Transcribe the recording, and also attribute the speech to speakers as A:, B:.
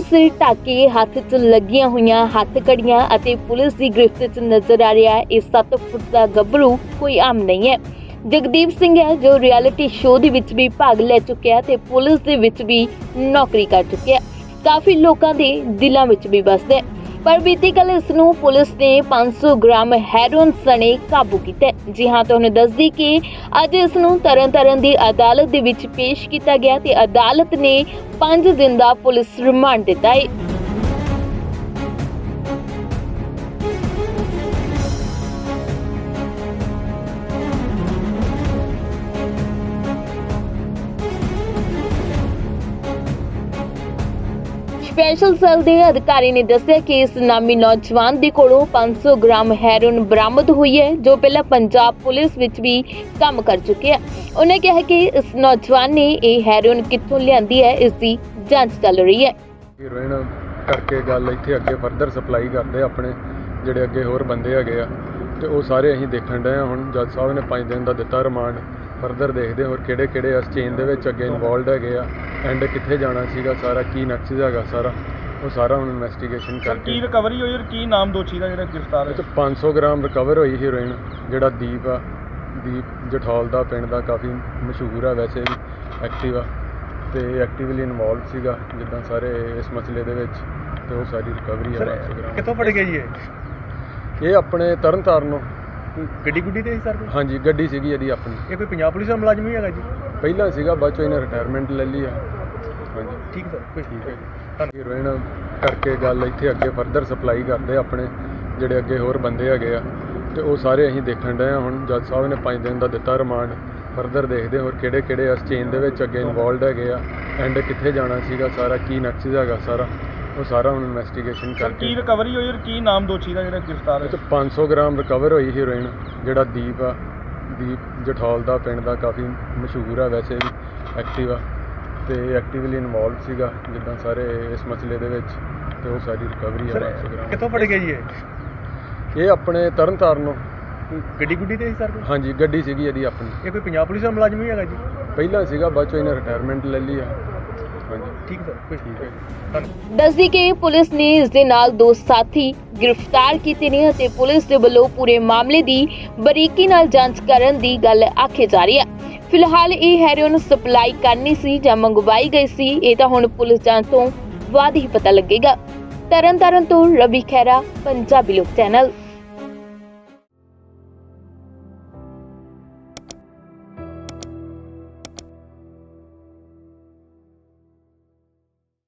A: ਸਿਰ ਢੱਕ ਕੇ ਹੱਥ 'ਚ ਲੱਗੀਆਂ ਹੋਈਆਂ ਹੱਥਕੜੀਆਂ ਅਤੇ ਪੁਲਿਸ ਦੀ ਗ੍ਰਿਫਤ 'ਚ ਨਜ਼ਰ ਆ ਰਿਹਾ ਹੈ। ਇਹ 7 ਫੁੱਟ ਦਾ ਗੱਭਰੂ ਕੋਈ ਆਮ ਨਹੀਂ ਹੈ। ਜਗਦੀਪ ਸਿੰਘ ਹੈ ਜੋ ਰਿਐਲਿਟੀ ਸ਼ੋਅ ਦੇ ਵਿੱਚ ਵੀ ਭਾਗ ਲੈ ਚੁੱਕਿਆ ਤੇ ਪੁਲਿਸ ਦੇ ਵਿੱਚ ਵੀ ਨੌਕਰੀ ਕਰ ਚੁੱਕਿਆ। ਕਾਫੀ ਲੋਕਾਂ ਦੇ ਦਿਲਾਂ ਵਿੱਚ ਵੀ ਵੱਸਦਾ ਹੈ। ਪਰ ਬੀਤੀ ਕੱਲ੍ਹ ਇਸ ਨੂੰ ਪੁਲਿਸ ਨੇ 500 ਗ੍ਰਾਮ ਹੈਰੋਇਨ ਸਣੇ ਕਾਬੂ ਕੀਤਾ। ਜੀ ਹਾਂ, ਤੁਹਾਨੂੰ ਦੱਸਦੀ ਕਿ ਅੱਜ ਇਸ ਨੂੰ ਤਰਨਤਾਰਨ ਦੀ ਅਦਾਲਤ ਦੇ ਵਿੱਚ ਪੇਸ਼ ਕੀਤਾ ਗਿਆ ਤੇ ਅਦਾਲਤ ਨੇ 5 ਦਿਨ ਦਾ ਪੁਲਿਸ ਰਿਮਾਂਡ ਦਿੱਤਾ ਹੈ। ਸਪੈਸ਼ਲ ਸੈੱਲ ਦੇ ਅਧਿਕਾਰੀ ਨੇ ਦੱਸਿਆ ਕਿ ਇਸ ਨਾਮੀ ਨੌਜਵਾਨ ਦੇ ਕੋਲੋਂ 500 ਗ੍ਰਾਮ ਹੈਰੋਇਨ ਬਰਾਮਦ ਹੋਈ ਹੈ ਜੋ ਪਹਿਲਾਂ ਪੰਜਾਬ ਪੁਲਿਸ ਵਿੱਚ ਵੀ ਕੰਮ ਕਰ ਚੁੱਕਿਆ ਹੈ। ਉਹਨੇ ਕਿਹਾ ਕਿ ਇਸ ਨੌਜਵਾਨ ਨੇ ਇਹ ਹੈਰੋਇਨ ਕਿੱਥੋਂ ਲਿਆਂਦੀ ਹੈ, ਇਸ ਦੀ ਜਾਂਚ ਚੱਲ ਰਹੀ ਹੈ।
B: ਹੀਰੋਇਨ ਕਰਕੇ ਗੱਲ ਇੱਥੇ ਅੱਗੇ ਫਰਦਰ ਸਪਲਾਈ ਕਰਦੇ ਆਪਣੇ ਜਿਹੜੇ ਅੱਗੇ ਹੋਰ ਬੰਦੇ ਹੈਗੇ ਆ ਤੇ ਉਹ ਸਾਰੇ ਅਸੀਂ ਦੇਖਣ ਡਏ ਆ। ਹੁਣ ਜੱਜ ਸਾਹਿਬ ਨੇ 5 ਦਿਨ ਦਾ ਦਿੱਤਾ ਰਿਮਾਂਡ, ਫਰਦਰ ਦੇਖਦੇ ਹੋਰ ਕਿਹੜੇ ਕਿਹੜੇ ਇਸ ਚੇਨ ਦੇ ਵਿੱਚ ਅੱਗੇ ਇਨਵੋਲਡ ਹੈਗੇ ਆ, ਐਂਡ ਕਿੱਥੇ ਜਾਣਾ ਸੀਗਾ, ਸਾਰਾ ਕੀ ਨਕਸ਼ਾ ਹੈਗਾ ਸਾਰਾ ਉਹ ਸਾਰਾ ਹੁਣ ਇਨਵੈਸਟੀਗੇਸ਼ਨ ਕਰਕੇ।
C: ਕੀ ਰਿਕਵਰੀ ਹੋਈ ਔਰ ਕੀ ਨਾਮ ਦੋਸ਼ੀ ਦਾ ਜਿਹੜਾ ਗ੍ਰਿਫਤਾਰ ਹੈ?
B: 500 ਗ੍ਰਾਮ ਰਿਕਵਰ ਹੋਈ ਹੀਰੋਇਨ, ਜਿਹੜਾ ਦੀਪ ਜਠੌਲ ਦਾ ਪਿੰਡ ਦਾ, ਕਾਫੀ ਮਸ਼ਹੂਰ ਆ ਵੈਸੇ ਵੀ, ਐਕਟਿਵ ਆ ਤੇ ਐਕਟਿਵਲੀ ਇਨਵੋਲਵ ਸੀਗਾ ਜਿੱਦਾਂ ਸਾਰੇ ਇਸ ਮਸਲੇ ਦੇ ਵਿੱਚ, ਤੇ ਉਹ ਸਾਰੀ ਰਿਕਵਰੀ ਆ 500 ਗ੍ਰਾਮ।
C: ਕਿੱਥੋਂ ਫੜ ਗਏ ਜੀ
B: ਇਹ ਆਪਣੇ ਤਰਨਤਾਰਨੋਂ
C: ਗੱਡੀ ਗੁੱਡੀ ਤੇ ਸੀ ਸਰ?
B: ਹਾਂਜੀ, ਗੱਡੀ ਸੀਗੀ ਇਹਦੀ ਆਪਣੀ।
C: ਇਹ ਕੋਈ ਪੰਜਾਬ ਪੁਲਿਸ ਦਾ ਮੁਲਾਜ਼ਮ ਹੀ ਹੈਗਾ ਜੀ?
B: ਪਹਿਲਾਂ ਸੀਗਾ, ਬਾਅਦ ਚੋਂ ਇਹਨੇ ਰਿਟਾਇਰਮੈਂਟ ਲੈ ਲਈ ਆ। ਹਾਂਜੀ
C: ਠੀਕ ਸਰ, ਕੋਈ
B: ਠੀਕ ਹੈ ਜੀ। ਹੀਰੋਇਨ ਕਰਕੇ ਗੱਲ ਇੱਥੇ ਅੱਗੇ ਫਰਦਰ ਸਪਲਾਈ ਕਰਦੇ ਆਪਣੇ ਜਿਹੜੇ ਅੱਗੇ ਹੋਰ ਬੰਦੇ ਹੈਗੇ ਆ ਤੇ ਉਹ ਸਾਰੇ ਅਸੀਂ ਦੇਖਣ ਡਏ ਆ। ਹੁਣ ਜੱਜ ਸਾਹਿਬ ਨੇ 5 ਦਿਨ ਦਾ ਦਿੱਤਾ ਰਿਮਾਂਡ, ਫਰਦਰ ਦੇਖਦੇ ਹੋਰ ਕਿਹੜੇ ਕਿਹੜੇ ਇਸ ਚੇਨ ਦੇ ਵਿੱਚ ਅੱਗੇ ਇਨਵੋਲਡ ਹੈਗੇ ਆ, ਐਂਡ ਕਿੱਥੇ ਜਾਣਾ ਸੀਗਾ, ਸਾਰਾ ਕੀ ਨਕਸ਼ਾ ਹੈਗਾ ਸਾਰਾ ਉਹ ਸਾਰਾ ਹੁਣ ਇਨਵੈਸਟੀਗੇਸ਼ਨ ਕਰਕੇ।
C: ਕੀ ਰਿਕਵਰੀ ਹੋਈ ਔਰ ਕੀ ਨਾਮ ਦੋਸ਼ੀ ਦਾ ਜਿਹੜਾ ਗ੍ਰਿਫਤਾਰ ਹੈ?
B: 500 ਗ੍ਰਾਮ ਰਿਕਵਰ ਹੋਈ ਹੀਰੋਇਨ, ਜਿਹੜਾ ਦੀਪ ਜਠੌਲ ਦਾ ਪਿੰਡ ਦਾ, ਕਾਫੀ ਮਸ਼ਹੂਰ ਆ ਵੈਸੇ ਵੀ, ਐਕਟਿਵ ਆ ਤੇ ਐਕਟਿਵਲੀ ਇਨਵੋਲਵ ਸੀਗਾ ਜਿੱਦਾਂ ਸਾਰੇ ਇਸ ਮਸਲੇ ਦੇ ਵਿੱਚ, ਤੇ ਉਹ ਸਾਰੀ ਰਿਕਵਰੀ ਆ 500 ਗ੍ਰਾਮ।
C: ਕਿੱਥੋਂ ਫੜ ਗਏ ਜੀ
B: ਇਹ ਆਪਣੇ ਤਰਨਤਾਰਨੋਂ
C: ਗੱਡੀ ਗੁੱਡੀ ਤੇ ਸੀ ਸਰ?
B: ਹਾਂਜੀ, ਗੱਡੀ ਸੀਗੀ ਇਹਦੀ ਆਪਣੀ।
C: ਇਹ ਕੋਈ ਪੰਜਾਬ ਪੁਲਿਸ ਦਾ ਮੁਲਾਜ਼ਮ ਹੀ ਹੈਗਾ ਜੀ?
B: ਪਹਿਲਾਂ ਸੀਗਾ, ਬਾਅਦ ਚੋਂ ਇਹਨੇ ਰਿਟਾਇਰਮੈਂਟ ਲੈ ਲਈ ਆ। ਹਾਂਜੀ
C: ਠੀਕ ਸਰ, ਕੋਈ
B: ਠੀਕ ਹੈ ਜੀ।
A: ਦੱਸਦੀ ਕਿ ਪੁਲਿਸ ਨੇ ਇਸ ਦੇ ਨਾਲ 2 ਸਾਥੀ ਗ੍ਰਿਫਤਾਰ ਕੀਤੇ ਨੇ ਅਤੇ ਪੁਲਿਸ ਦੇ ਵੱਲੋਂ ਪੂਰੇ ਮਾਮਲੇ ਦੀ ਬਰੀਕੀ ਨਾਲ ਜਾਂਚ ਕਰਨ ਦੀ ਗੱਲ ਆਖੀ ਜਾ ਰਹੀ ਹੈ। ਫਿਲਹਾਲ ਇਹ ਹੈਰੋਇਨ ਸਪਲਾਈ ਕਰਨੀ ਸੀ ਜਾਂ ਮੰਗਵਾਈ ਗਈ ਸੀ, ਇਹ ਤਾਂ ਹੁਣ ਪੁਲਿਸ ਜਾਂਚ ਤੋਂ ਬਾਅਦ ਹੀ ਪਤਾ ਲੱਗੇਗਾ। ਤਰਨਤਾਰਨ ਤੋਂ ਰਵੀ ਖਹਿਰਾ, ਪੰਜਾਬੀ ਲੋਕ ਚੈਨਲ।